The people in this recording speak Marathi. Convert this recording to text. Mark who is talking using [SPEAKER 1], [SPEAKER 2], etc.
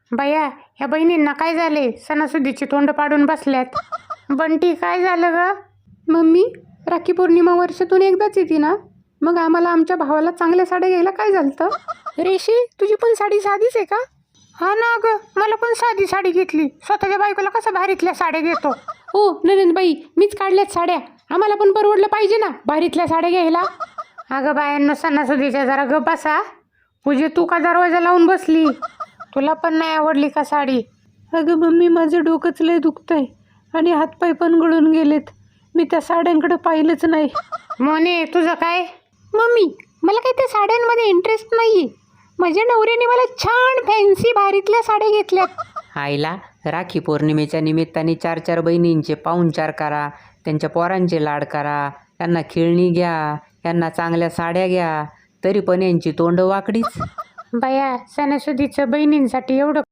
[SPEAKER 1] बया, ह्या बहिणींना काय झाले? सणासुदीची तोंड पाडून बसल्यात. बंटी, काय झालं ग?
[SPEAKER 2] मम्मी, राखी पौर्णिमा वर्षातून एकदाच येते ना, मग आम्हाला आमच्या भावाला चांगल्या साड्या घ्यायला काय झालं? रेशी, तुझी पण साडी साधीच आहे का?
[SPEAKER 1] हा ना ग, मला पण साधी साडी घेतली. स्वतःच्या बायकोला कसं भारीतल्या साड्या घेतो.
[SPEAKER 2] हो नंदनबाई, मीच काढल्यात साड्या. आम्हाला पण परवडलं पाहिजे ना भारीतल्या साड्या घ्यायला.
[SPEAKER 1] अगं बायांनो, सणासुदीच्या जरा ग बसा. पूजे, तू का दरवाजा लावून बसली? तुला पण नाही आवडली का साडी?
[SPEAKER 2] अगं मम्मी, माझं डोकंच लय दुखतंय आणि हातपाय पण गळून गेलेत. मी त्या साड्यांकडे पाहिलंच नाही.
[SPEAKER 1] मोने, तुझं काय?
[SPEAKER 2] मम्मी, मला काही त्या साड्यांमध्ये इंटरेस्ट नाही. माझ्या नवऱ्याने मला छान फॅन्सी भारीतल्या साड्या घेतल्यात.
[SPEAKER 3] आईला राखी पौर्णिमेच्या निमित्ताने 4-4 बहिणींचे पाहुणचार करा, त्यांच्या पोरांचे लाड करा, त्यांना खेळणी घ्या, त्यांना चांगल्या साड्या घ्या, तरी पण यांची तोंड वाकडीच.
[SPEAKER 1] बया, सणासुदीचं बहिणींसाठी एवढं